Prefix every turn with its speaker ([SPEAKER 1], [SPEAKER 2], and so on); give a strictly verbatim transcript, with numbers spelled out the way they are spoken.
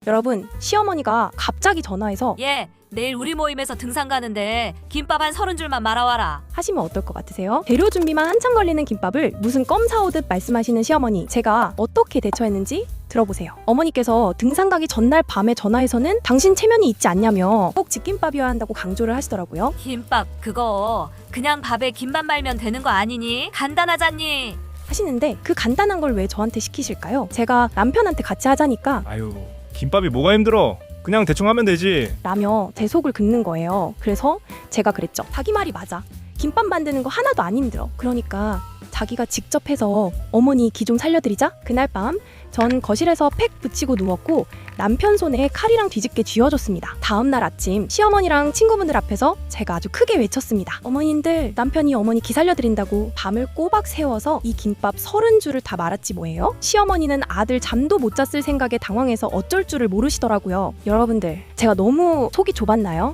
[SPEAKER 1] 여러분, 시어머니가 갑자기 전화해서
[SPEAKER 2] 예, 내일 우리 모임에서 등산 가는데 김밥 한 서른 줄만 말아와라.
[SPEAKER 1] 하시면 어떨 것 같으세요? 재료 준비만 한참 걸리는 김밥을 무슨 껌 사오듯 말씀하시는 시어머니, 제가 어떻게 대처했는지 들어보세요. 어머니께서 등산 가기 전날 밤에 전화해서는 당신 체면이 있지 않냐며 꼭 집김밥이어야 한다고 강조를 하시더라고요.
[SPEAKER 2] 김밥 그거 그냥 밥에 김만 말면 되는 거 아니니? 간단하잖니.
[SPEAKER 1] 하시는데 그 간단한 걸 왜 저한테 시키실까요? 제가 남편한테 같이 하자니까
[SPEAKER 3] 아유, 김밥이 뭐가 힘들어? 그냥 대충 하면 되지.
[SPEAKER 1] 라며 제 속을 긁는 거예요. 그래서 제가 그랬죠. 자기 말이 맞아. 김밥 만드는 거 하나도 안 힘들어. 그러니까 자기가 직접 해서 어머니 기 좀 살려드리자. 그날 밤 전 거실에서 팩 붙이고 누웠고 남편 손에 칼이랑 뒤집게 쥐어줬습니다. 다음날 아침 시어머니랑 친구분들 앞에서 제가 아주 크게 외쳤습니다. 어머님들, 남편이 어머니 기 살려드린다고 밤을 꼬박 새워서 이 김밥 서른 줄을 다 말았지 뭐예요? 시어머니는 아들 잠도 못 잤을 생각에 당황해서 어쩔 줄을 모르시더라고요. 여러분들, 제가 너무 속이 좁았나요?